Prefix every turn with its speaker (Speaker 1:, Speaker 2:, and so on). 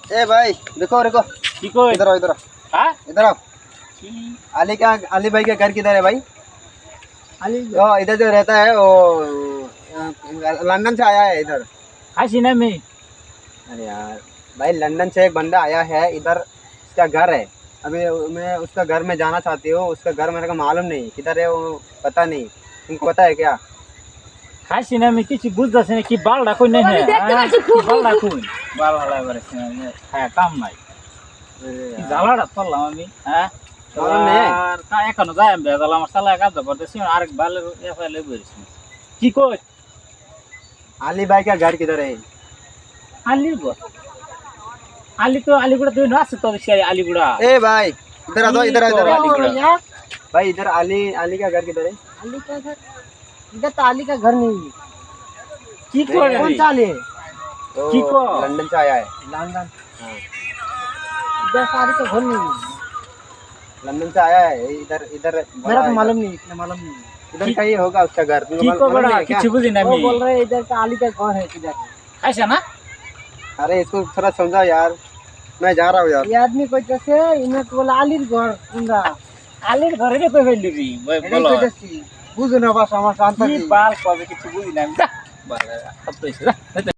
Speaker 1: ए भाई देखो देखो
Speaker 2: की को
Speaker 1: इधर आओ इधर आओ
Speaker 2: हां
Speaker 1: इधर आओ। अली भाई का घर किधर है भाई?
Speaker 2: अली
Speaker 1: इधर जो रहता है वो लंदन से आया है इधर।
Speaker 2: हसीना में।
Speaker 1: अरे यार भाई लंदन से एक बंदा आया है इधर, उसका घर है। अभी मैं उसका घर में जाना चाहती हूँ। उसका घर मेरे को मालूम नहीं किधर है वो, पता नहीं। तुमको पता है क्या?
Speaker 2: हसीना में किसी बुझदा से कि बाल राखो नहीं है बाल राखो बाल हला बारे से खाया काम नहीं জালাটা পড়লাম আমি হ্যাঁ আর তা এখনো যাই আমি বেজাল আমার শালা কাজ করতেছি আরেক বালের এফআইএল বইছি কি কই
Speaker 1: अली भाई का घर किधर है?
Speaker 2: আলির গো আলি তো আলিগুড়া তুই না আছে তো সে আলিগুড়া
Speaker 1: ए भाई इधर आ दो इधर आ इधर आ।
Speaker 2: আলিগুড়া
Speaker 1: भाई इधर अली का घर किधर है?
Speaker 3: अली का घर इधर तो अली का घर नहीं है।
Speaker 2: কি করে
Speaker 3: कौन सा अली है?
Speaker 1: वो
Speaker 2: की को?
Speaker 1: लंदन से आया है।
Speaker 3: लंदन
Speaker 1: हाँ।
Speaker 3: इधर तो अली का घर नहीं है।
Speaker 1: लंदन से आया है इधर इधर
Speaker 3: मेरा तो मालूम नहीं, इतना मालूम नहीं।
Speaker 1: इधर कहीं होगा उसका घर। तुमको
Speaker 2: কি কো
Speaker 1: मालूम
Speaker 2: বড়া
Speaker 1: नहीं है क्या?
Speaker 2: কিছু বুঝি না
Speaker 3: वो
Speaker 2: আমি
Speaker 3: बोल रहे इधर का अली का घर है किधर।
Speaker 2: খাইছ না
Speaker 1: अरे इसको थोड़ा समझाओ यार, मैं जा रहा हूँ यार।
Speaker 3: ये आदमी कोई जैसे इन्हें तो बोला अली घर कुंदा
Speaker 2: আলির ঘরে রে কই ফেললি রে বলো
Speaker 3: कोई जैसे बुझो ना बस আমার শান্ত
Speaker 2: কি বাল কবে কিছু বুঝি না আমি যা বাল সব তো